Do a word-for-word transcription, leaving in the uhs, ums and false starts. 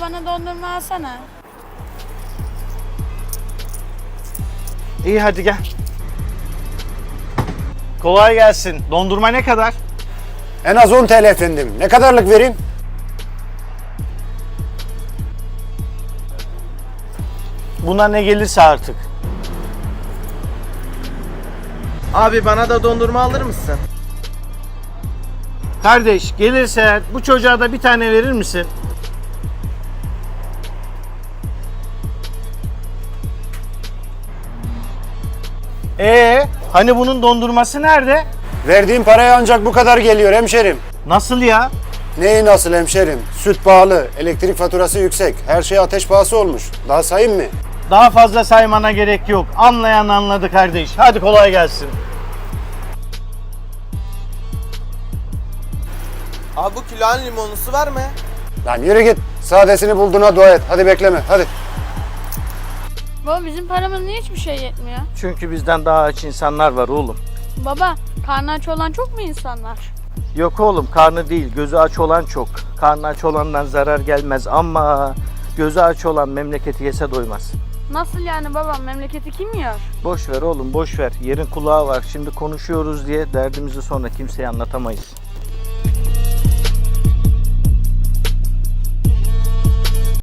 bana dondurma alsana. İyi hadi gel. Kolay gelsin. Dondurma ne kadar? En az on T L efendim. Ne kadarlık vereyim? Buna ne gelirse artık. Abi bana da dondurma alır mısın? Kardeş gelirse bu çocuğa da bir tane verir misin? Ee, hani bunun dondurması nerede? Verdiğim paraya ancak bu kadar geliyor hemşerim. Nasıl ya? Neyi nasıl hemşerim? Süt pahalı, elektrik faturası yüksek, her şey ateş pahası olmuş. Daha sayayım mı? Daha fazla saymana gerek yok. Anlayan anladı kardeş. Hadi kolay gelsin. Abi bu kilonun limonlusu var mı? Lan yürü git. Sadesini bulduğuna dua et. Hadi bekleme, hadi. Baba bizim paramız niye hiçbir şey yetmiyor? Çünkü bizden daha aç insanlar var oğlum. Baba karnı aç olan çok mu insanlar? Yok oğlum, karnı değil, gözü aç olan çok. Karnı aç olandan zarar gelmez ama gözü aç olan memleketi yese doymaz. Nasıl yani baba, memleketi kim yiyor? Boş ver oğlum, boş ver. Yerin kulağı var. Şimdi konuşuyoruz diye derdimizi sonra kimseye anlatamayız.